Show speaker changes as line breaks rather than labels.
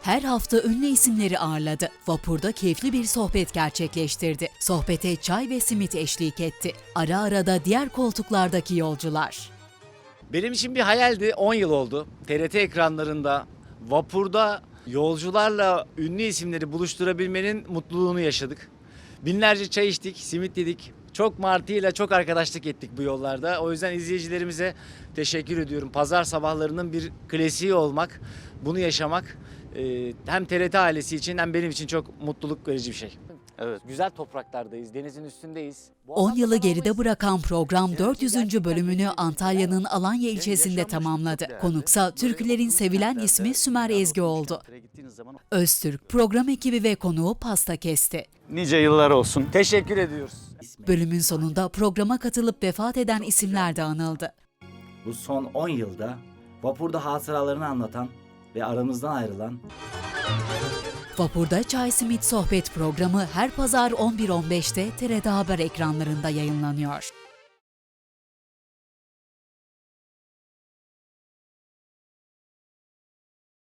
Her hafta ünlü isimleri ağırladı. Vapurda keyifli bir sohbet gerçekleştirdi. Sohbete çay ve simit eşlik etti. Ara ara da diğer koltuklardaki yolcular.
Benim için bir hayaldi. 10 yıl oldu. TRT ekranlarında, vapurda yolcularla ünlü isimleri buluşturabilmenin mutluluğunu yaşadık. Binlerce çay içtik, simit yedik. Çok martıyla çok arkadaşlık ettik bu yollarda. O yüzden izleyicilerimize teşekkür ediyorum. Pazar sabahlarının bir klasiği olmak, bunu yaşamak hem TRT ailesi için hem benim için çok mutluluk verici bir şey. Evet. Güzel topraklardayız, denizin üstündeyiz.
10 yılı geride bırakan program 400. bölümünü Antalya'nın Alanya ilçesinde tamamladı. Konuksa türkülerin sevilen ismi Sümer Ezgi oldu. Öztürk, program ekibi ve konuğu pasta kesti.
Nice yıllar olsun.
Teşekkür ediyoruz.
Bölümün sonunda programa katılıp vefat eden isimler de anıldı.
Bu son 10 yılda vapurda hatıralarını anlatan ve aramızdan ayrılan
Vapurda Çay Simit Sohbet programı her pazar 11.15'te TRT Haber ekranlarında yayınlanıyor.